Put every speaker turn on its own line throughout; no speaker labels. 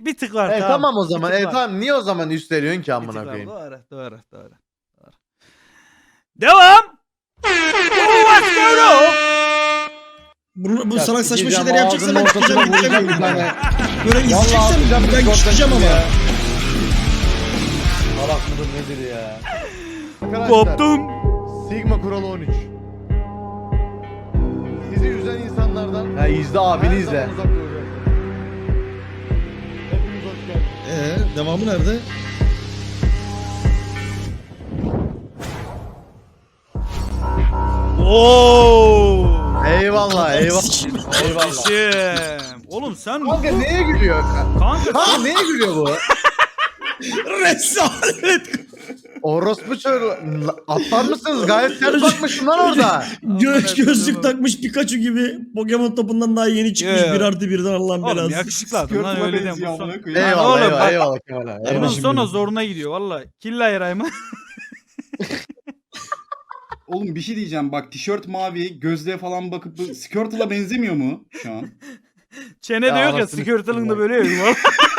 Bir tık var.
Tamam o zaman.
Bir tık var.
Tamam niye o zaman üstleniyorsun ki
Bir
amına
tık var.
koyayım?
Doğru. Devam. Let's go.
Bu
Ya
salak saçma
sikeceğim,
şeyler yapacaksan ben
ağzının
çıkacağım
ortasına
gideceğim.
vuracağım bir tane.
Böyle
Vallahi
izleyeceksen
atacağım
ben
Discord'dan
çıkacağım ama.
ya. Salak mıdır nedir ya? Arkadaşlar,
Koptum.
Sigma kuralı 13. Sizi üzen insanlardan... Ha izle abini izle. Hepiniz hoş geldiniz.
Devamı nerede?
Oo.
Eyvallah eyvallah.
Kardeşim. Oğlum sen
Kanka neye gülüyor? Kanka neye gülüyor bu?
Rezalet.
Orospu çocuğu. Atlar mısınız? Gayet ters bakmışsın lan orada.
Gözlük takmış Pikachu gibi. Pokemon topundan daha yeni çıkmış
Yeah.
1+1'den Allah'ın
Oğlum
belası.
yakışıklı adam lan öyle deme.
Eyvallah
oğlum,
eyvallah
bak-
eyvallah Kemal abi.
Bunun
Eyvallah.
Kardeşim
sonra
benim.
zoruna gidiyor valla. Killa yarayma.
Oğlum bir şey diyeceğim bak tişört mavi gözlüğe falan bakıp bu Squirtle'a benzemiyor mu şu an?
Çene
Ya
de yok ya
anasını
skirtle'ın da
sikeyim
böyle yok.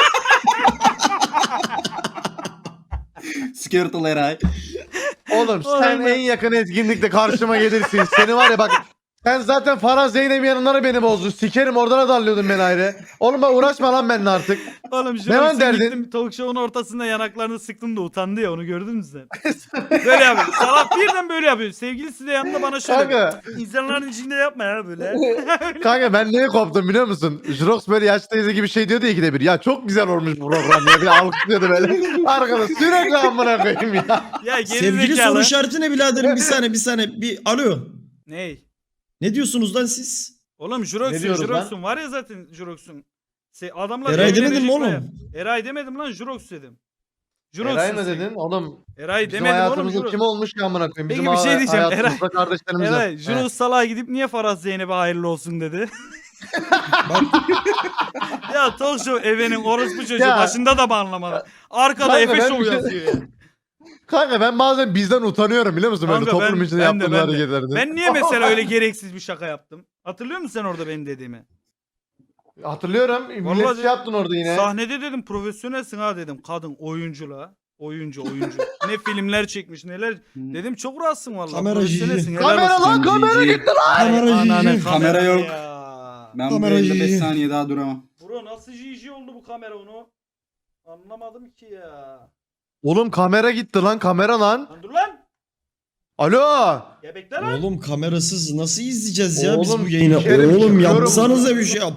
Squirtle Eray.
Oğlum sen
Aynen.
en yakın etkinlikte karşıma gelirsin. Seni var ya bak. Sen zaten Farah Zeynep yanınları beni bozdun. Sikerim oradan da darlıyordun beni ayrı. Oğlum bak uğraşma lan benimle artık.
Oğlum
Ne lan
şuna
derdin?
gittim talk show'un ortasında yanaklarını sıktım da utandı ya onu gördün mü sen? Böyle yapıyor. Salak birden böyle yapıyor. Sevgilisi de yanında bana şöyle.
Kanka.
İnsanların içinde yapma ya böyle.
Kanka ben neye koptum biliyor musun? Jirox böyle yaş teyze gibi şey diyordu ya ikide bir. Ya çok güzel olmuş bu program ya. Bir alkışlıyordu böyle. Arkada sürekli amına koyayım ya.
Ya
Sevgili soru
gerizekalı.
işareti ne biraderim bir saniye. Bir alo.
Ney?
Ne diyorsunuz lan siz?
Oğlum
Ne
Jurox'un
diyoruz
Jurox'un var ya zaten Jurox'un. Adamlar
Eray
evlenecek
demedin mi
baya.
oğlum?
Eray demedim lan Jurox dedim. Jurox'un
Eray mı
sen.
dedin? Oğlum
Eray
bizim
demedim oğlum
hayatımızda
Jurox.
kim olmuş ki amına koyayım? Bizim
Peki bir şey diyeceğim,
hayatımızda kardeşlerimize.
Eray Jurox salağa gidip niye Farah Zeynep'e hayırlı olsun dedi.
Bak
Ya talk show evenin orospu çocuğu
Ya.
başında da mı anlamadı? Arkada
Kanka
Efe
ben
Show
bir şey-
yazıyor ya.
Kanka ben bazen bizden utanıyorum biliyor musun? Böyle
Kanka
toplum içinde yaptığım hareketlerden.
Ben niye mesela öyle gereksiz bir şaka yaptım? Hatırlıyor musun sen orada benim dediğimi?
Hatırlıyorum. Millet
Vallahi
şey yaptın orada yine.
Sahnede dedim profesyonelsin ha dedim. Kadın oyuncu la. Oyuncu. Ne filmler çekmiş neler. Dedim çok rahatsın vallahi.
Kameracı.
Profesyonelsin, helal
Kamera
olsun.
lan kamera gitti lan.
Ay,
Kameracı.
ananı,
Kamera yok.
ya.
Ben bu
Kamerayı-
yayında 5 saniye daha duramam.
Bro nasıl GG oldu bu kamera onu? Anlamadım ki ya.
Oğlum kamera gitti lan kamera lan.
Lan dur lan.
Alo.
Gebekler lan.
oğlum kamerasız nasıl izleyeceğiz ya biz
Oğlum,
bu yayını?
sikerim,
Oğlum
çıkıyorum.
yapsanıza bir şey yap.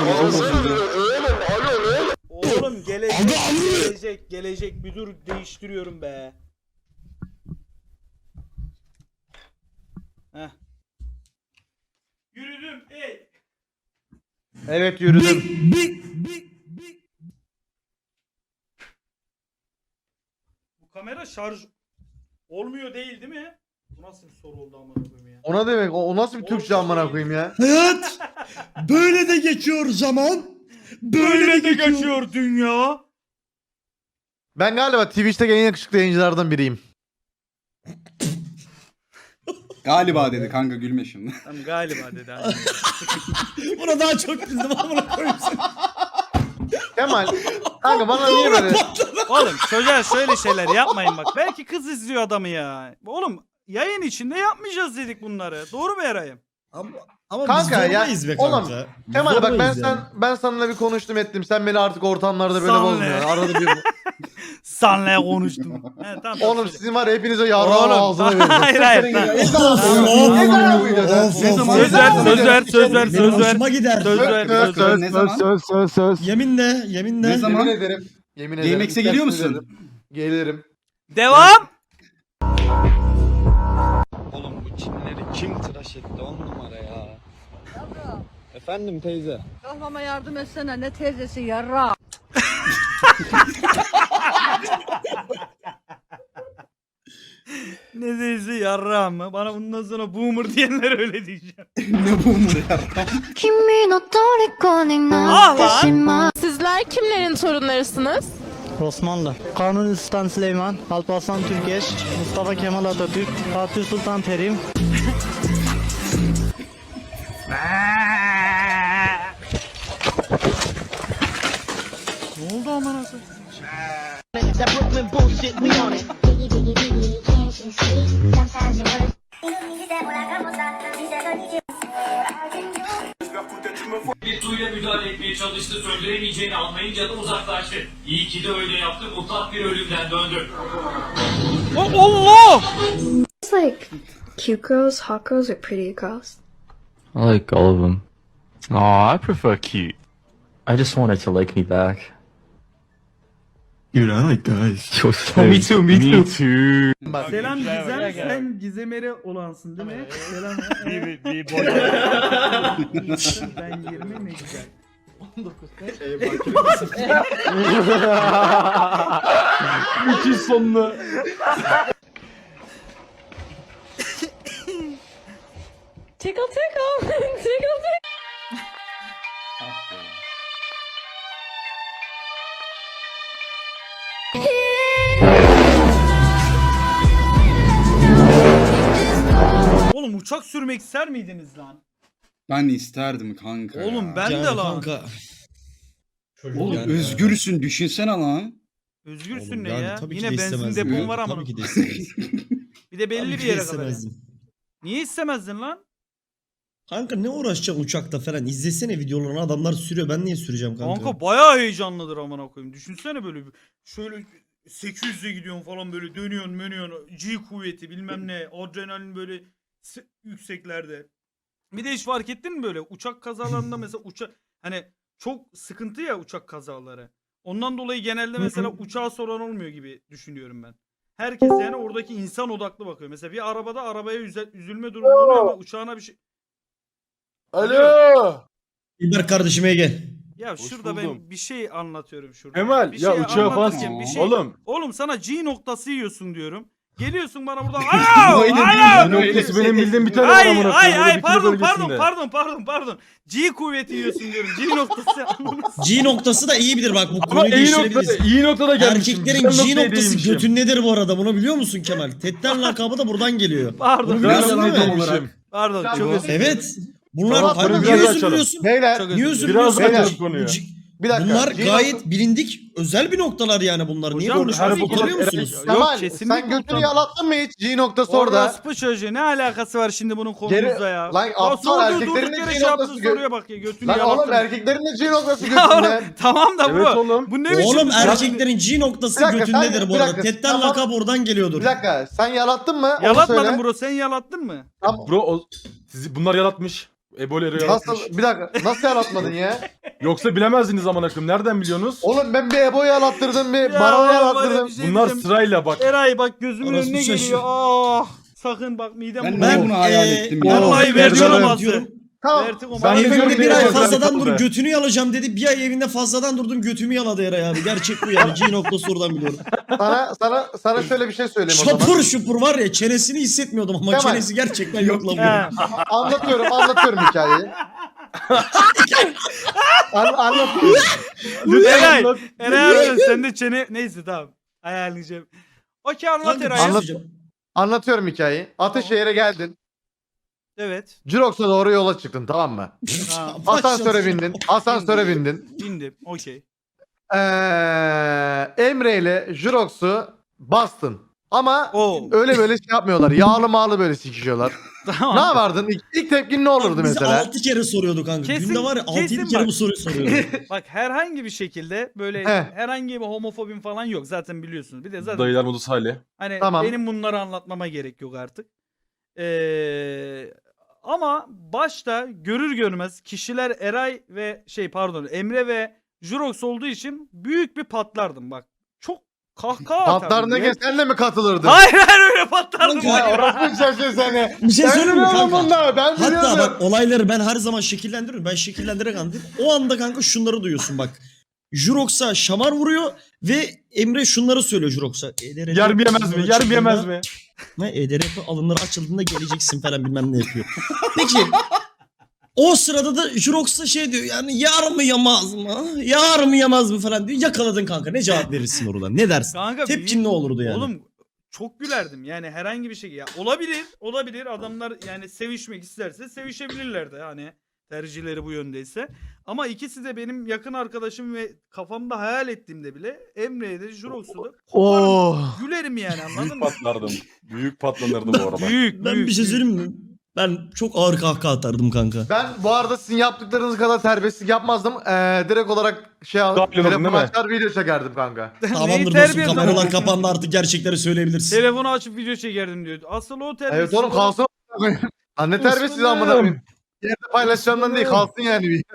Oğlum gelecek bir dur değiştiriyorum be. Heh. Yürüdüm ey.
Evet yürüdüm.
Bu kamera şarj olmuyor değil mi? Bu nasıl bir soru oldu amına koyayım ya?
Ona demek o nasıl bir Türkçe amına koyayım ya.
Hayat böyle de geçiyor zaman. Böyle de geçiyor.
dünya.
Ben galiba Twitch'te en yakışıklı yayıncılardan biriyim.
Galiba dedi kanka gülme şimdi.
Tamam galiba dedi. aynen.
Buna daha çok güldüm amına koyayım seni.
Kemal. Kanka bana niye böyle?
Oğlum çocuğa şöyle şeyler yapmayın bak. Belki kız izliyor adamı ya. Oğlum yayın içinde yapmayacağız dedik bunları. Doğru mu Eray'ım?
Ama
Kanka
biz
ya,
zorlayız be
oğlum,
kanka. Biz
Kemal bak
zorlayız yani.
ben seninle bir konuştum ettim. Sen beni artık ortamlarda böyle
Senle.
bozmuyor. Arada bir
Senle konuştum. He, tamam,
Oğlum
söyle.
sizin var ya hepinize yarrağın
Oğlum,
ağzına vereceğim.
hayır, hayır,
Siktirin
hayır.
gidin.
Of,
Ne zaman bu
of,
videoda?
of,
Ne
of.
zaman?
Söz ver.
Benim hoşuma gider.
Söz ver.
Ne zaman?
Söz.
Yeminle.
Ne zaman?
Yemin ederim. Yemin ederim.
GMX'e geliyor musun?
Gelirim.
Devam.
Oğlum bu Çinlileri kim tıraş etti 10 numara ya. Efendim teyze.
Kahvama yardım etsene ne teyzesi yarra.
Ne deyisi yarra mı? Bana bundan sonra boomer diyenler öyle diyeceğim.
Ne bu mu ya?
君の虜に
Ah
なってし
lan.
まう
Sizler kimlerin torunlarısınız?
Osmanlı, Kanuni Sultan Süleyman, Alparslan Türkeş, Mustafa Kemal Atatürk, Fatih Sultan Terim.
Ne oldu aman koyayım.
Bir suyla müdahale etmeye çalıştı, söndüremeyeceğini anlayınca da uzaklaştı. İyi ki de öyle yaptı, mutlak bir ölümden döndü.
Allah!
It's like cute girls, hot girls, or pretty girls.
I like all of them. Aw, I prefer cute. I just wanted to like me back.
Dude, I like guys.
Me too, me too.
Bak.
Selam Gizem, sen Gizemere olansın değil mi? Selam. Ben 20 ne güzel. 19 kaç?
Müthiş sonlu.
Tickle tickle. Tickle tickle.
Oğlum uçak sürmek ister miydiniz lan?
Ben isterdim kanka ya.
Oğlum ben de
Yani
lan.
kanka.
Oğlum
Yani-
özgürsün düşünsene lan.
Özgürsün
Oğlum
ne
yani
ya?
tabii ki
Yine
de
benzin
istemezdim.
depon var ama.
Tabii ki de istemezdim.
Bir de belli
Tabii
bir
ki de
yere kadar.
istemezdim.
Niye istemezdin lan?
Kanka ne uğraşacaksın uçakta falan? İzlesene videolarını, adamlar sürüyor. Ben niye süreceğim kanka?
Kanka bayağı heyecanlıdır amına koyayım. Düşünsene böyle şöyle 800'e gidiyorsun falan böyle dönüyorsun menüyorsun. G kuvveti bilmem ne. Adrenalin böyle yükseklerde. Bir de hiç fark ettin mi böyle uçak kazalarında mesela hani çok sıkıntı ya uçak kazaları. Ondan dolayı genelde mesela uçağa soran olmuyor gibi düşünüyorum ben. Herkes yani oradaki insan odaklı bakıyor. Mesela bir arabada arabaya üzülme durumu oluyor ama uçağına bir şey...
Alo.
İlber kardeşime gel.
Ya
Hoş
şurada
buldum.
ben bir şey anlatıyorum şurada.
Kemal
Bir
ya
şey
uçağı falan
anlatırken bir şey...
Oğlum.
Oğlum sana G noktası yiyorsun diyorum. Geliyorsun bana buradan
Öyle değil,
alo
öyle
noktası
değil.
benim bildiğim bir tane var
ay
amına
ay
koyayım. O da
ay
bir kilo
pardon
bölgesinde.
G kuvveti yiyorsun diyorum. G noktası.
G noktası da iyi bilir bak bu
Ama
konuyu
iyi
değiştirebiliriz.
noktada, iyi noktada gelmişim.
Erkeklerin
Güzel
G
noktaya
noktası
değinmişim.
götün nedir bu arada? Bunu biliyor musun Kemal? Tetten lakabı da buradan geliyor.
Pardon.
Bunu biliyorsun
Güzel
değil
noktaya
mi?
değinmişim.
Pardon çok özür dilerim.
Evet. Bunlar
Tamam,
kanka
biraz
niye
açalım.
üzülüyorsun?
Beyler
Çok özür
Niye
dilerim.
üzülüyorsun?
Biraz
Beyler,
açalım konuyu. bir dakika.
Bunlar
G
gayet bilindik özel bir noktalar yani bunlar. Niye
Hocam,
konuşmuyorsun?
her bu
Görüyor
kadar-
musunuz?
Yok,
Kemal
kesinlikle
sen götünü
utanmam.
yalattın mı hiç? G noktası orada.
Orospu çocuğu ne alakası var şimdi bunun konumuzla ya?
Lan
Ya
aptal
sorduğu
erkeklerin
durduk
de
yere
G
şey yaptığı
noktası
soruya bak ya götünü
Lan oğlum
yalattın.
erkeklerin de G noktası
Ya oğlum,
götünde.
tamam da
Evet
bu.
oğlum.
Bu ne biçim?
Oğlum
bir şey?
erkeklerin G noktası
Bir dakika,
götündedir
sen-
bu
bir
arada.
dakika,
Tetten
tamam.
lakap oradan geliyordur.
Bir dakika sen yalattın mı? Onu
Yalatmadın
söyle.
bro sen yalattın mı?
Tamam.
Bro bunlar yaratmış. Eboleri yaratmış.
Nasıl? Bir dakika. Nasıl yalatmadın ya?
Yoksa bilemezdiniz aman akım. Nereden biliyorsunuz?
Oğlum ben bir Ebo'yu yalattırdım bir
Ya
Baron'u
var ya,
yalattırdım.
bir şey
Bunlar
diyeceğim.
sırayla bak.
Eray bak gözümün
Orası
önüne
şaşır.
geliyor. Ah sakın bak midem
Ben
bulanıyor.
niye bunu hayal ettim ya?
Vallahi
Ben
vertigo
diyorum,
olmazdı.
diyorum.
Tamam.
Vertigo
Ben
olmazdı.
gidiyorum
Evinde
diye
bir ay
yazıyorum
fazladan
kapıda.
dur götünü yalacağım dedi. Bir ay evinde fazladan durdum götümü yaladı Eray abi. Gerçek bu yani. G noktası oradan biliyorum.
Sana şöyle bir şey söyleyeyim o zaman.
Şapur şupur var ya çenesini hissetmiyordum ama
Kemal.
çenesi gerçekten yok lan
He.
bunun.
Anlatıyorum hikayeyi. Anlatıyorum.
Eray. Eray abi sen de çene... Neyse tamam. Ayarlayacağım. Okey anlat
Kanka, bir
Eray.
şey
Anlat.
söyleyeceğim.
Anlatıyorum hikayeyi. Ataşehir'e geldin.
Evet.
Jirox'a doğru yola çıktın tamam mı?
Ha,
Asansöre bindin. Asansöre bindin.
bindim. Okey.
Emre ile Jirox'u bastın. Ama
Oo.
öyle böyle şey yapmıyorlar. Yağlı mağlı böyle sikişiyorlar.
Tamam.
Ne yapardın? İlk tepkin ne olurdu
Bizi
mesela?
6 kere soruyordu kanka.
Kesin-
Günde var ya 6-7
kesin
kere
bak.
bu soruyu soruyordu.
Bak herhangi bir şekilde böyle
He.
herhangi bir homofobim falan yok. Zaten biliyorsunuz. Bir de zaten
Dayılar modus hali.
hani
Tamam.
benim bunları anlatmama gerek yok artık. Ama başta görür görmez kişiler Eray ve Emre ve Jurox olduğu için büyük bir patlardım bak. Çok kahkaha atardım.
Patlarına
ya.
sen de mi katılırdın?
Hayır öyle patlardım.
Kanka,
hayır.
Orası şaşır seni.
Bir şey
Ben
söyleyeyim mi
biliyorum
kanka?
bunları. Ben biliyorum.
Hatta bak olayları ben her zaman şekillendiriyorum. Ben şekillendirerek anlatayım. O anda kanka şunları duyuyorsun bak. Jurox'a şamar vuruyor ve Emre şunları söylüyor Jurox'a. EDRP
Yer mi yemez mi? Yer mi yemez mi?
Ne EDRP alımları açıldığında geleceksin falan bilmem ne yapıyor. Peki o sırada da Jurox da şey diyor yani yar mı yamaz mı? Yar mı yamaz mı falan diyor. Yakaladın kanka ne cevap verirsin oradan? Ne dersin?
Kanka
Tepkin ne olurdu yani?
Oğlum çok gülerdim yani herhangi bir şey. Ya olabilir adamlar yani sevişmek isterse sevişebilirler de hani. tercihleri bu yöndeyse. Ama ikisi de benim yakın arkadaşım ve kafamda hayal ettiğimde bile Emre'ye de Jurox'u da
Oh.
gülerim yani, anladın
Büyük
mı?
patlardım. Büyük patlanırdı bu arada.
Büyük
Ben
büyük.
bir şey söyleyeyim mi? Ben çok ağır kahkaha atardım kanka.
Ben bu arada sizin yaptıklarınız kadar terbiyesizlik yapmazdım. Direkt olarak şey alıp
Dahil oldun
telefonu
değil mi?
açar video çekerdim kanka.
Neyi
Tamamdır dostum,
terbiye
kameralar
ederim?
kapandı, artık gerçekleri söyleyebilirsin.
Telefonu açıp video çekerdim diyor. Asıl o terbiyesiz.
Evet oğlum kalsın. Anne terbiyesiz amına koyayım. Yerde paylaşacağımdan değil kalsın yani bir.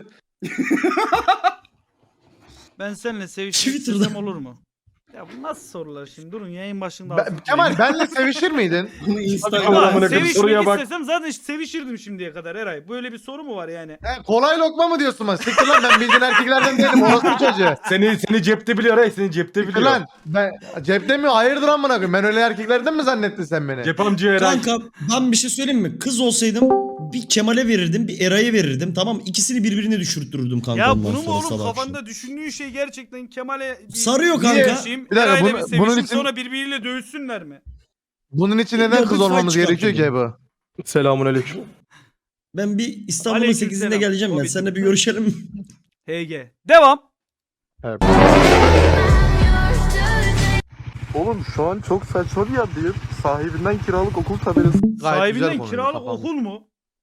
Ben seninle sevişmek
Twitter'da.
istesem olur mu? Ya bu nasıl sorular şimdi? Durun yayın başında.
Kemal benle sevişir miydin?
Bunu
Ama
Amına koyayım,
sevişmek
soruya bak.
istesem zaten sevişirdim şimdiye kadar Eray. Böyle bir soru mu var yani?
Kolay lokma mı diyorsun bana? Siktir lan ben bildiğin erkeklerden değilim. Orası çocuğu.
Seni cepte biliyor ha, seni cepte
Siktir
biliyor.
lan. Ben cepte mi? Hayırdır amına koyayım. Ben öyle erkeklerden mi zannettin sen beni?
Cep amca Eray.
Kanka ben bir şey söyleyeyim mi? Kız olsaydım bir Kemal'e verirdim, bir Eray'a verirdim. Tamam, ikisini birbirine düşürttürürdüm kanka
Ya
ondan
bunu mu
sonra
oğlum
sabah akşam.
kafanda düşündüğün şey gerçekten Kemal'e
Sarıyor
Niye?
kanka.
sevişeyim,
Bir dakika,
Eray'la
bunu-
bir sevişeyim,
bunun için-
sonra birbiriyle dövüşsünler mi?
Bunun için neden
Yok,
kız
bir
olmamız
fight
gerekiyor ki
çıkartırdım.
bu?
Selamünaleyküm.
Ben bir İstanbul'un
Aleykümselam.
8'inde geleceğim ben.
Hobbit.
Seninle bir görüşelim.
HG. Devam.
Oğlum şu an çok saçma bir yerdeyim. Sahibinden kiralık okul tabelası.
Gayet güzel
Sahibinden
konu,
kiralık
kafam.
okul mu?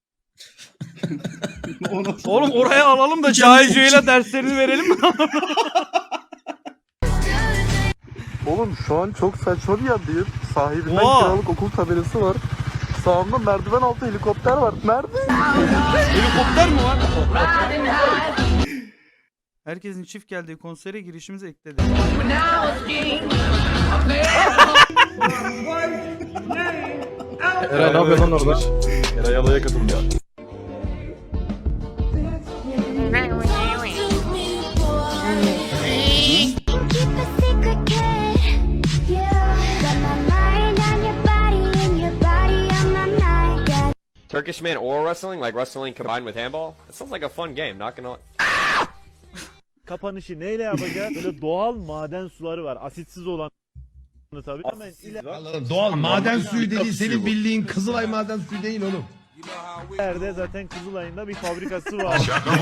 O nasıl-
Oğlum oraya alalım da
Hocam,
Cahil Cüeyla derslerini verelim mi?
Oğlum şu an çok saçma bir yerdeyim. Sahibinden
Oha.
kiralık okul tabelası var. Sağımda merdiven altı helikopter var. Nerede?
Helikopter mi var? Herkesin çift geldiği konsere girişimizi ekledi.
Eray ne yapıyor lan orada? Eray alaya katıldı ya.
Turkish man or wrestling, like wrestling combined with handball. It sounds like a fun game, not gonna.
Kapanışı neyle yapacağız? Böyle doğal maden suları var. Asitsiz olan tabii. Hemen
Doğal maden suyu dediğin senin bildiğin Kızılay maden suyu değil oğlum.
ileride zaten Kızılay'ın da bir fabrikası var.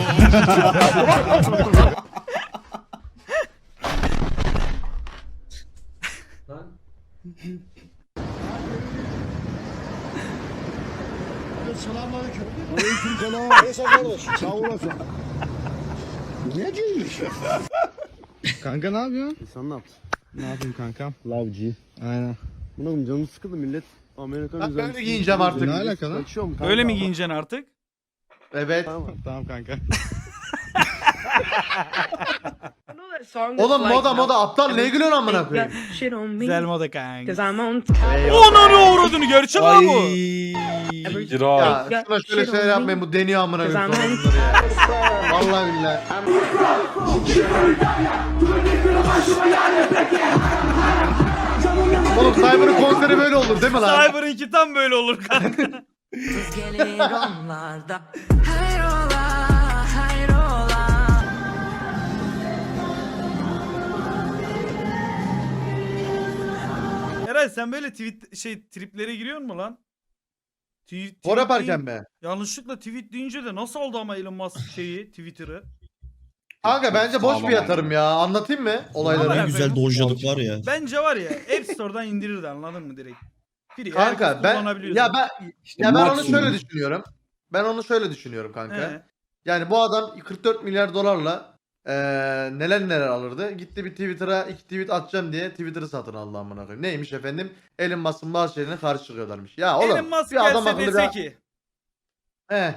Selamünaleyküm. Aleykümselam. Sağ olasın. Ne giymiş?
Kanka ne yapıyorsun? Sen ne yaptın? Ne yapayım kankam? Lavcı. Aynen. Buna koyayım, canım sıkıldı millet. Amerikan
Ben
güzel.
böyle giyineceğim artık.
Ne alaka lan? Kaçıyorum kanka.
Öyle mi giyineceksin artık?
Evet.
Tamam kanka.
Oğlum moda aptal ne gülüyorsun amına koyayım?
Güzel moda kanka.
I'm on
Onun uğradığını gerçek lan bu.
Eray.
Ya şuna şöyle şeyler yapmayın bu deniyor amına koyayım sonra bunları ya. Vallahi billahi. Oğlum Cyber'ın konseri böyle olur değil mi lan?
Cyber'ınki tam böyle olur kanka. Eray sen böyle triplere giriyor mu lan? Tweet
Spor yaparken
değil-
mi?
Yanlışlıkla tweet deyince de nasıl aldı ama Elon Musk Twitter'ı?
Kanka bence boş bir yatırım ya. Anlatayım mı olayları?
Ne güzel dojladık var ya.
Bence var ya App Store'dan indirirdi, anladın mı direkt? Free,
Kanka
herkes
ben
kullanabiliyorsa.
ya ben onu
maksimum.
şöyle düşünüyorum. Ben onu şöyle düşünüyorum kanka.
He.
Yani bu adam 44 milyar dolarla neler alırdı. Gitti bir Twitter'a 2 tweet atacağım diye Twitter'ı satın aldı amına koyayım. Neymiş efendim? Elon Musk'ın bazı şeylerine karşı çıkıyorlarmış. Ya oğlum
Elon Musk
bir adam
gelse
akıllı
dese
bir...
ki
He.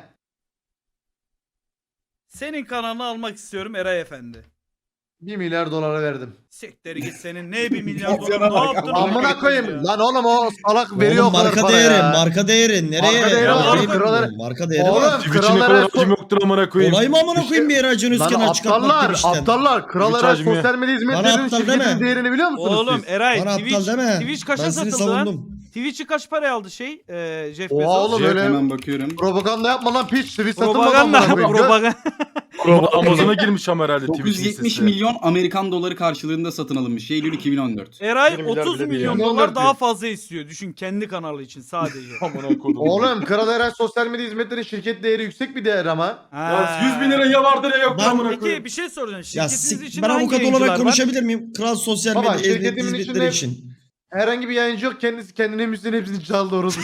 senin kanalını almak istiyorum Eray Efendi.
1 milyar dolara verdim.
Siktir git senin ne 1 milyar
Opsiyona
dolar ne
bak,
yaptın?
Amına koyayım. Lan oğlum o salak veriyor
Oğlum
o kadar
marka
para
değeri,
ya.
marka değeri. Nereye?
Marka değeri
var,
Nereye
kralar-
bilmiyorum. Marka değeri
Oğlum,
var.
Twitch'in
krallara
kadar
so-
acım yoktur amına koyayım.
Olay mı amına koyayım bir Eracın
Lan
Özkan'ı çıkartmak
aptallar,
demişten.
aptallar. Krallara
Twitch hacmi.
sosyal medya
Bana
hizmetlerinin
aptal
şirketin
deme.
değerini biliyor musunuz
Oğlum
siz?
Eray
Bana aptal deme.
Twitch kaça
Ben seni
satıldı lan?
savundum.
Twitch'i kaç paraya aldı Jeff
Oha
Bezos?
oğlum
Jet,
öyle
hemen bakıyorum.
propaganda yapma lan piç. Tweet satılmadı
Propaganda.
amına koyayım.
Propaganda.
Amazon'a girmiş ama herhalde Twitch'in
970
sesi.
milyon Amerikan doları karşılığında satın alınmış. Eylül 2014.
Eray
1 milyar
30
bile değil
milyon
yani.
dolar daha fazla istiyor. Düşün kendi kanalı için sadece.
Amına kodum.
Oğlum Kral Eren sosyal medya hizmetleri şirket değeri yüksek bir değer ama.
Ya 100 bin lira ya vardır ya yok
Ben-
amına
Peki
koyayım.
bir şey soracağım.
Ya
Şirketiniz için
ben
hangi
avukat
yayıncılar
olarak
var?
konuşabilir miyim? Kral sosyal
Baba,
medya
şirketimin
hizmetleri
içinde-
için.
Herhangi bir yayıncı yok, kendisi kendine müziğin hepsini çaldı orası.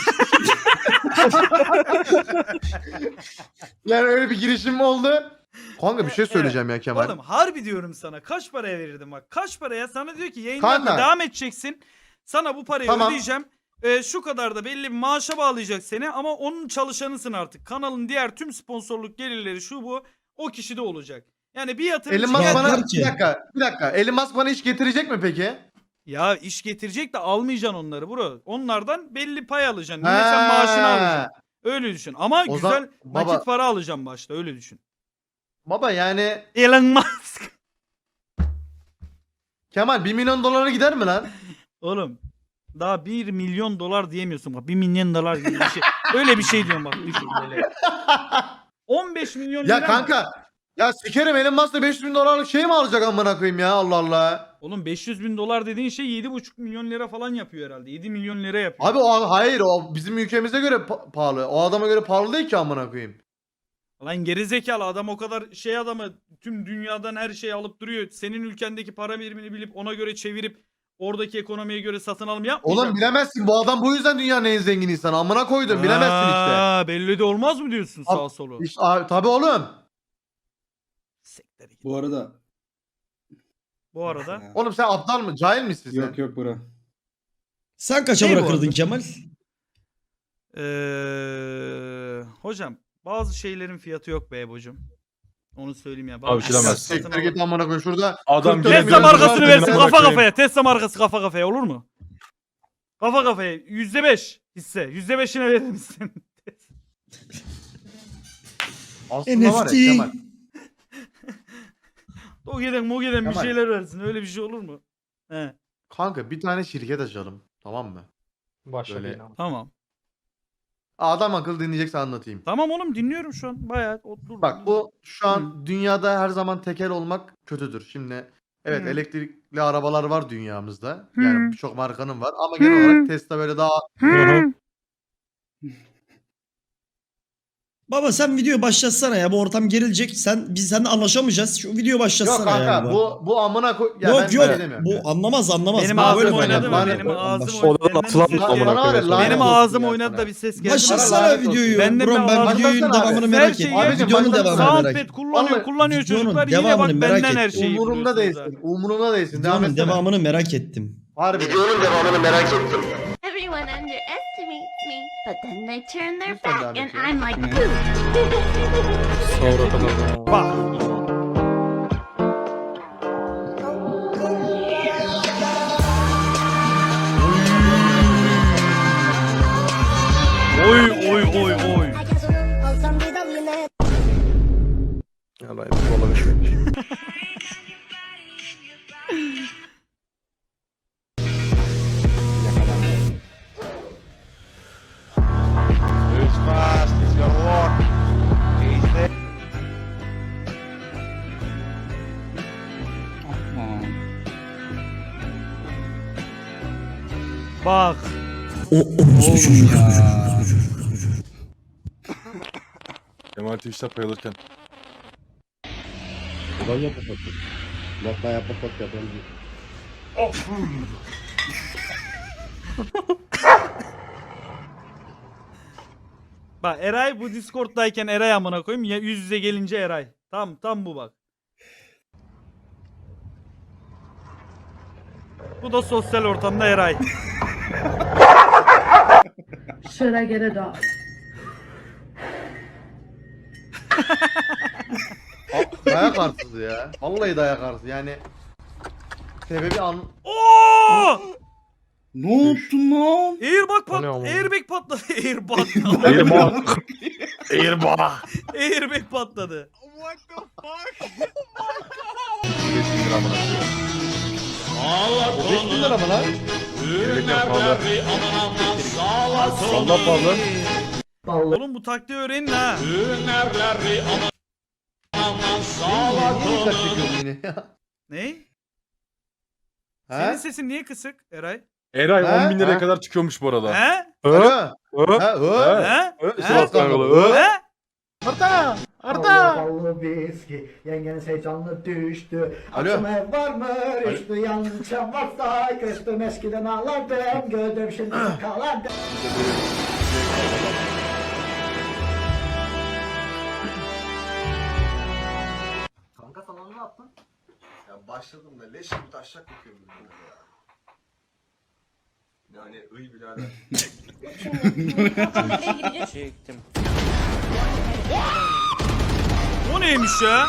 Yani öyle bir girişim mi oldu? Kanka bir şey söyleyeceğim ya Kemal.
Oğlum harbi diyorum sana. Kaç paraya verirdim bak. Kaç paraya sana diyor ki yayınlarına
Kanka.
devam edeceksin. Sana bu parayı
Tamam.
ödeyeceğim. Şu kadar da belli bir maaşa bağlayacak seni ama onun çalışanısın artık. Kanalın diğer tüm sponsorluk gelirleri şu bu o kişide olacak. Yani bir yatırımcı
Elon Musk
Ya
bana
der ki-
bir dakika. Elon Musk bana iş getirecek mi peki?
ya iş getirecek de almayacaksın onları bro. Onlardan belli pay alacaksın. Yine sen maaşını alacaksın. Öyle düşün. Ama
O
güzel
zaman- baba-
nakit para alacaksın başta öyle düşün.
Baba yani
Elon Musk.
Kemal 1 milyon dolara gider mi lan?
Oğlum daha 1 milyon dolar diyemiyorsun bak 1 milyon dolar gibi bir şey. Öyle bir şey diyorum bak düşün böyle. 15 milyon lira
Ya
mı?
kanka. Ya sikerim, Elon Musk da 500 bin dolarlık şey mi alacak amına koyayım ya, Allah Allah.
Oğlum 500 bin dolar dediğin şey 7,5 milyon lira falan yapıyor herhalde. 7 milyon lira yapıyor.
Abi hayır, o bizim ülkemize göre pahalı. O adama göre pahalı değil ki amına koyayım.
Lan gerizekalı adam o kadar şey adamı tüm dünyadan her şeyi alıp duruyor. Senin ülkendeki para birimini bilip ona göre çevirip oradaki ekonomiye göre satın alım yapmayacak.
Oğlum bilemezsin, bu adam bu yüzden dünyanın en zengin insanı, amına koydum, bilemezsin işte.
Aa, belli de olmaz mı diyorsun sağ solu?
İşte, tabii oğlum.
Siktir git.
Bu arada...
Bu arada
Oğlum sen aptal mı? Cahil misin sen?
Yok yok bura.
Sen kaça
Ne bu
bırakırdın
arada?
Kemal?
hocam bazı şeylerin fiyatı yok be Ebo'cum. Onu söyleyeyim ya.
Abi
Bazı
bilemez.
şeyler
Siktir
satın
git amına koyayım şurada.
Adam
44
Tesla
milyon
markasını
dolar
versin
amına
kafa
koyayım.
kafaya. Tesla markası kafa kafaya olur mu? Kafa kafaya %5 hisse. %5'ine verir misin?
Aslında var
NFT.
ya Kemal.
Mogeden bir
Kemal.
şeyler versin. Öyle bir şey olur mu? He.
Kanka bir tane şirket açalım, tamam mı?
Başla
Böyle.
bir.
Tamam.
Adam akıllı dinleyecekse anlatayım.
Tamam oğlum dinliyorum şu an. Bayağı otur.
Bak bu şu an dünyada her zaman tekel olmak kötüdür. Şimdi evet,
Hı.
elektrikli arabalar var dünyamızda.
Hı.
Yani birçok markanın var ama genel olarak Tesla böyle daha
Baba sen video başlatsana ya, bu ortam gerilecek. Biz seninle anlaşamayacağız. Şu video başlatsana
yok kanka
ya.
bu amına koy ya,
Yok
ben
yok,
böyle demiyorum.
bu anlamaz.
Benim
Bana
ağzım
böyle
oynadı mı?
lanet
Benim
olsun.
ağzım
Baş-
oynadı.
Odan atılan
Benden
mı
bir ses
amına
geldi.
koyayım?
Lanet
Benim
olsun
ağzım
ya
oynadı
sana.
da bir ses geldi.
Başlatsana
lanet olsun.
videoyu.
Benden
Bro,
bir
ben
ağzım-
videonun
Başlatsana abi.
devamını
Her
merak
şeyi
ettim.
Abicim,
Videonun
başlatsana.
devamını merak
Soundpad
ettim.
kullanıyor.
Vallahi
Kullanıyor
videonun
çocuklar. Yine bak
devamını merak
benden her
ettim.
şeyi
Umurumda
biliyorsunuz
değilsin. Umurumda değilsin. Devam
Videonun
etsene.
devamını merak ettim.
Harbi.
Everyone underestimates me, but then they turn their
Lütfen
back
devam
and
et ya.
I'm like,
Sonra kadar.
Bak. Oy oy oy oy.
Allah olabilir.
Aa.
Bak.
Oğlum
Ya.
Kemal Twitch'te paylaşırken.
Bak Eray bu Discord'dayken Eray amına koyayım. Ya yüz yüze gelince Eray. Tam bu bak. Bu da sosyal ortamda Eray.
Should I get a dog?
Dayak arsız ya. Vallahi dayak arsız yani. Sebebi
Oo!
Ne yaptın lan?
O ne ama?
Airbag patladı.
Airbag.
Airbag patladı.
5 lira amına koyayım.
5 bin lira mı lan?
Gerçekten pahalı. Valla pahalı.
Oğlum bu taktiği öğrenin ha.
Niye dikkat çekiyorsun yine ya?
Ne? Senin
He?
sesin niye kısık Eray?
Eray
Ha?
10 bin liraya
Ha?
kadar çıkıyormuş bu arada.
He?
Alo. Ha,
He?
İşte
He?
bak kanka.
He?
Arda! Arda!
viski, yengen heyecanlı düştü.
Alo.
Aklıma var mı rüştü, yanlış varsa küstüm, eskiden ağlardım, gördüm şimdi kalardım. Kanka falan ne yaptın?
Ya başladım da leş gibi taşak kokuyor böyle ya. Yani ıy birader.
Çektim.
O neymiş ya?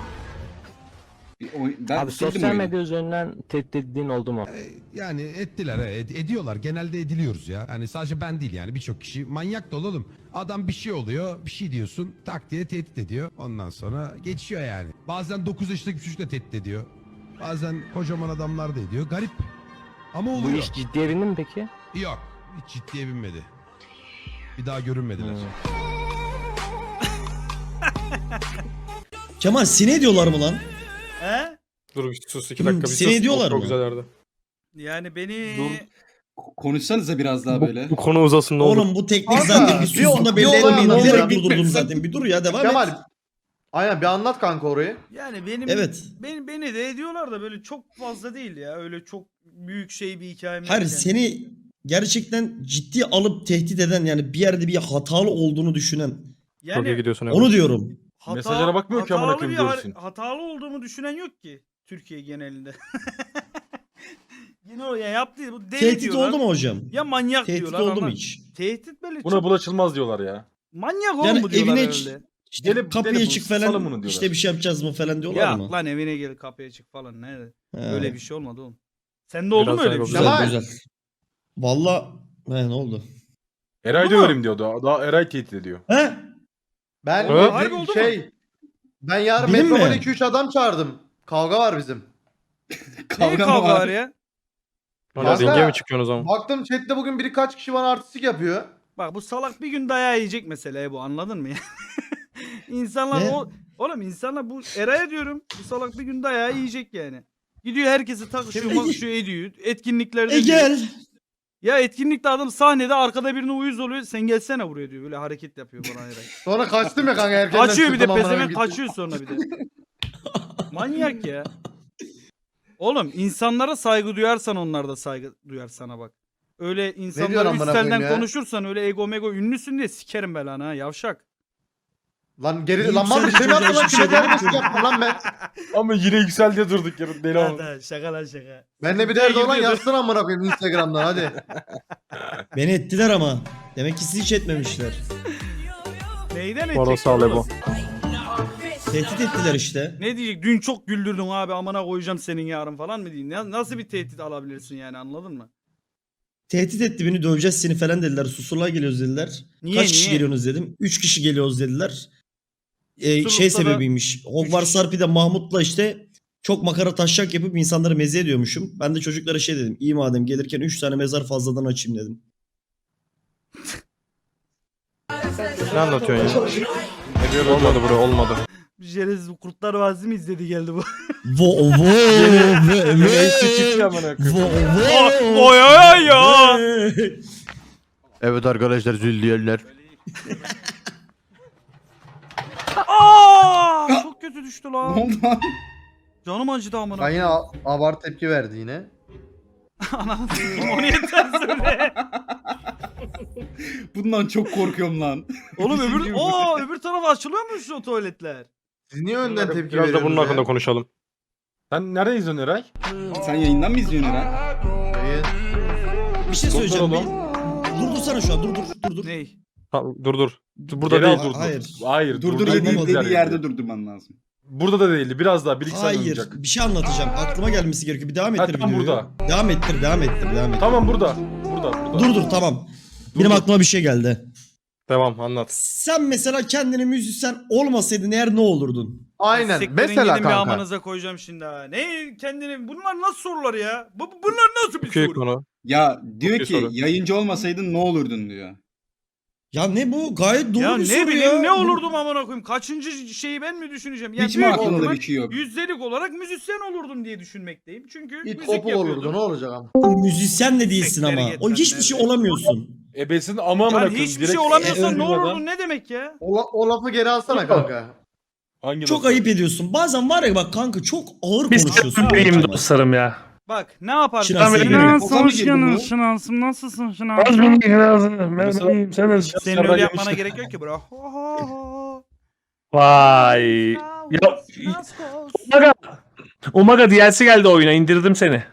Ben sildim oyunu.
üzerinden tehdit edildiğin oldu mu?
Yani ettiler ediyorlar. Genelde ediliyoruz ya. Hani sadece ben değil yani birçok kişi manyak da oğlum. Adam bir şey oluyor, bir şey diyorsun, tak diye tehdit ediyor. Ondan sonra geçiyor yani. Bazen 9 yaşındaki bir çocuk da tehdit ediyor. Bazen kocaman adamlar da ediyor. Garip. Ama oluyor.
ciddiye bindi mi peki?
Yok. Hiç ciddiye binmedi. Bir daha görünmediler.
Kemal sine ediyorlar mı lan?
He?
Dur bir sus 2 dakika bir sus.
Seni ediyorlar
Çok
mı?
güzel yerde.
Yani beni...
Konuşsanıza biraz daha böyle.
Bu konu uzasın ne olur.
Oğlum bu teknik
Kanka,
zaten bir
bir
susunda belli
olay
etmeyin.
anlatsana.
Bilerek durdurdum zaten. Bir dur ya devam et.
Kemal. Aynen bir anlat kanka orayı.
Yani benim
Evet.
beni de ediyorlar da böyle çok fazla değil ya. Öyle çok büyük şey bir hikayem yok
Hayır
yani.
seni gerçekten ciddi alıp tehdit eden yani bir yerde bir hatalı olduğunu düşünen.
Yani
gidiyorsun.
Onu diyorum.
Mesajlara bakmıyor ki amına
hatalı
koyayım,
bir
görsün.
hatalı olduğumu düşünen yok ki Türkiye genelinde. Yine o ya yaptığı bu deli
Tehdit
diyorlar.
oldu mu hocam?
Ya manyak
Tehdit
diyorlar
oldu mu
ama
hiç?
tehdit böyle
Buna
çok
bulaşılmaz diyorlar ya.
manyak oğlum
Yani
bu diyorlar
evine
herhalde.
işte
Gelip
kapıya
telefonu,
çık
salın bunu
falan
diyorlar.
işte bir şey yapacağız mı falan diyorlar
Ya
mı?
lan evine gel kapıya çık falan ne?
He.
Öyle bir şey olmadı oğlum. Sende oldu mu öyle bir şey?
Güzel
Kemal.
güzel. Valla ne oldu?
Eray
Oldu mu?
döverim diyordu. Daha Eray tehdit ediyor.
He?
Ben
Harbi oldu mu?
ben yarın
Benim
Metropol
mi?
2-3 adam çağırdım. Kavga var bizim.
Ne
Kavga
kavga
mı
var
var?
ya?
Kanka,
çıkıyorsun o zaman?
baktım chatte bugün birkaç kişi bana artistik yapıyor.
Bak bu salak bir gün dayağı yiyecek mesela bu anladın mı ya? İnsanlar
Ne?
oğlum insanlar bu Eray'a diyorum bu salak bir gün dayağı yiyecek yani. Gidiyor herkesi takışıyor makışıyor ediyor. Etkinliklerde diyor.
Gel.
Ya etkinlikte adam sahnede arkada birine uyuz oluyor. Sen gelsene buraya diyor. Böyle hareket yapıyor bana Eray.
Sonra kaçtım ya kanka erkenden
Kaçıyor bir de
çıktım, amına
pezevenk
koyayım,
kaçıyor sonra bir de. Manyak ya. Oğlum insanlara saygı duyarsan onlar da saygı duyar sana bak. Öyle
diyorsun
insanlara
amına koyayım
üstelden
ya?
konuşursan öyle ego mego ünlüsün diye sikerim belanı ha yavşak.
Lan geri
İyi
lan mal bir
yükseldi
şey mi yaptın lan?
çocuğa, hiçbir şey
Kime
demedim
terbiyesizlik
ki.
yaptın lan ben?
Ama yine yükseldi diye durduk ya. Deli ama.
Hadi şaka lan şaka.
Bende bir derdi olan
Gidiyordu.
yazsın amına koyayım Instagram'dan hadi.
Beni ettiler ama. Demek ki sizi hiç etmemişler.
Neyden edecek?
Orası ale bu.
Tehdit ettiler işte.
Ne diyecek? Dün çok güldürdün abi amına koyacağım senin yarın falan mı diyeyim? Nasıl bir tehdit alabilirsin yani anladın mı?
Tehdit etti beni döveceğiz seni falan dediler. Susurluğa geliyoruz dediler.
Niye,
Kaç kişi
niye?
geliyorsunuz dedim. 3 kişi geliyoruz dediler. Şey
Susurluk'ta da
sebebiymiş. Hogwarts Harpy'de Mahmut'la işte çok makara taşak yapıp insanları meze ediyormuşum. Ben de çocuklara şey dedim. İyi madem gelirken 3 tane mezar fazladan açayım dedim.
Ne anlatıyorsun ya? Olmadı bro olmadı.
Jerez Kurtlar Vadisi mi izledi geldi bu?
Vo vo
Oy ya.
Evet arkadaşlar züldiyerler.
Aa! Çok kötü düştü
Ne
lan.
oldu lan?
Canım acıdı amına.
Ben yine abart tepki verdi yine.
Anam onu yeter söyle.
Bundan çok korkuyorum lan.
Oğlum öbür tarafa açılıyor mu şu tuvaletler?
Siz niye önden tepki
Biraz da
veriyorsunuz
bunun
ya?
hakkında konuşalım. Sen nereden izliyorsun Eray?
Sen yayından mı izliyorsun Eray?
Yayın.
Bir şey söyleyeceğim.
oğlum.
Durdursana şu an. Dur.
Ha, dur. Burada
Geri
değil
al.
dur.
Hayır.
Hayır.
Durdur
burada
dediği
değil.
yerde durdurman lazım.
Burada da değildi. Biraz daha 1-2 saniye
Hayır.
oynayacak.
Bir şey anlatacağım. Aklıma gelmesi gerekiyor. Bir devam
Ha,
ettir
tam
videoyu.
burada.
Devam ettir.
Tamam burada. Burada.
Dur tamam. Benim aklıma bir şey geldi.
Devam anlat.
Sen mesela kendini müzisyen olmasaydın eğer ne olurdun?
Aynen.
Siktirin
Mesela
gidin bir
kanka.
amanıza koyacağım şimdi ha. Ne kendini bunlar nasıl sorular ya? Bunlar nasıl bir soru?
Konu.
Ya diyor
Çok iyi
ki
soru.
yayıncı olmasaydın ne olurdun diyor.
Ya ne bu? Gayet doğru
Ya
bir
ne
soru
bileyim
ya.
ne olurdum amına koyayım. Kaçıncı şeyi ben mi düşüneceğim? Ya
Hiç mi
büyük
aklında
ihtimal
bir şey yok?
yüzdelik olarak müzisyen olurdum diye düşünmekteyim. Çünkü
İt
müzik
kopu
yapıyordum.
olurdu ne olacak ama.
Müzisyen de değilsin
Sektere
ama.
git
O
lan
hiçbir şey
nerede?
olamıyorsun.
Ebesin ama amına
Yani
koyayım.
hiçbir
direkt
şey olamıyorsan ne
duymadan.
olurdun ne demek ya?
O lafı geri alsana kanka.
Hangi
Çok
lafı?
ayıp ediyorsun. Bazen var ya bak kanka çok ağır
Biz
konuşuyorsun.
benim dostlarım ya.
Bak ne yaparsın?
Şinas sevgili.
Şinansım nasılsın
Az mı lazım? Ben sen
Senin öyle yapmana gerek yok ki bro.
Vay. Ya Umaga DLC geldi oyuna indirdim seni.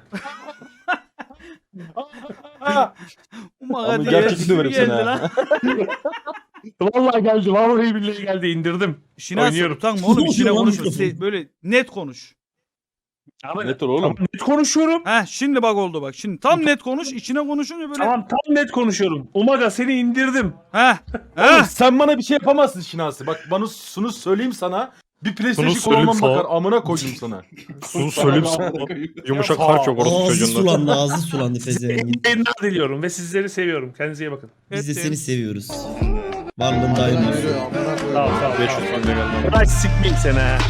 Umaga
Abi
diye
gerçekten döverim seni
geldi
ha.
lan.
Vallahi geldi. Vallahi billahi geldi. İndirdim.
Şinas
Oynuyorum.
utanma oğlum
Ne
içine
oluyor lan
konuşma.
mikrofon?
Böyle net konuş.
Net oğlum. Net konuşuyorum.
Heh şimdi bak oldu bak. Şimdi tam net konuş. İçine konuşunca böyle.
Tamam tam net konuşuyorum. Umaga seni indirdim.
Heh.
Oğlum
Heh.
sen bana bir şey yapamazsın Şinasi. Bak bana şunu söyleyeyim sana. Bir PlayStation olmam bakar amına koydum sana.
Sus söyleyeyim sana.
Yumuşak harç yok
Ağzı sulandı, ağzı sulandı Fezer'in.
Yayınlar diliyorum ve sizleri seviyorum. Kendinize iyi bakın.
Biz de seni seviyoruz. Varlığın daim olsun.
Sağ ol sağ ol. 500 tane geldi. Ay sikmeyeyim seni ha.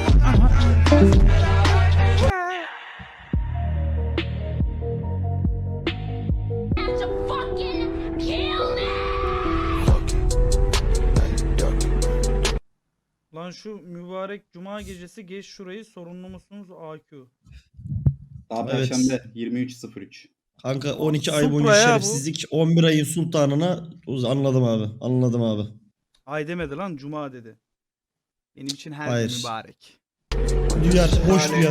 Fucking kill me!
Lan şu mübarek cuma gecesi geç şurayı sorunlu musunuz AQ?
Daha
Evet.
Perşembe 23.03.
Kanka 12 ay
Supra
boyunca
ya bu.
şerefsizlik 11 ayın sultanına anladım abi. Anladım abi.
Ay demedi lan cuma dedi. Benim için her
Hayır.
gün mübarek.
Duyar, hoş duyar.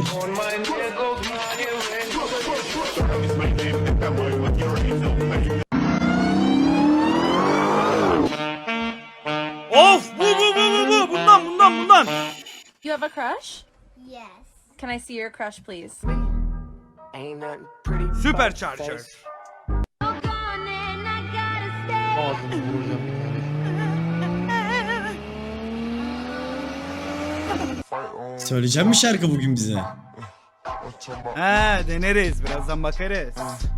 Of bu bundan.
You have a crush? Yes. Can I see your crush, please?
Supercharger.
Ağzını vuracağım yani.
Söyleyeceğim mi şarkı bugün bize?
He deneriz birazdan bakarız.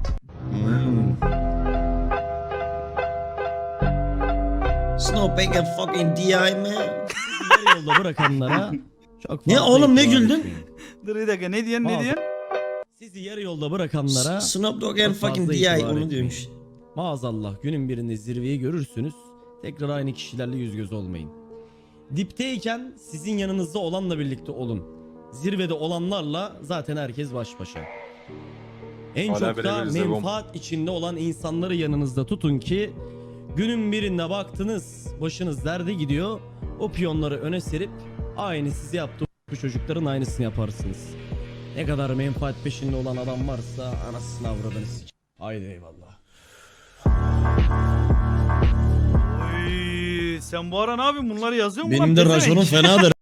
Snowbank and fucking DI man.
Yarı yolda bırakanlara çok
Ne
fazla
oğlum ne
itibar
güldün?
etmeyin.
Dur bir dakika ne diyorsun ne
Bazı-
diyorsun?
Sizi yarı yolda bırakanlara
Snoop Dogg
çok
and fucking
fazla
DI
itibar
onu
etmeyin.
diyormuş.
Maazallah günün birinde zirveyi görürsünüz. Tekrar aynı kişilerle yüz göz olmayın. Dipteyken sizin yanınızda olanla birlikte olun. Zirvede olanlarla zaten herkes baş başa. En
Hala
çok da
beraberiz de bom.
menfaat içinde olan insanları yanınızda tutun ki günün birinde baktınız başınız derde gidiyor. O piyonları öne serip aynı size yaptığı bu çocukların aynısını yaparsınız. Ne kadar menfaat peşinde olan adam varsa anasını avradını sik. Haydi eyvallah.
Oy, sen bu ara ne yapıyorsun bunları yazıyor mu lan?
Benim de
Pezevenk?
raconum fenadır.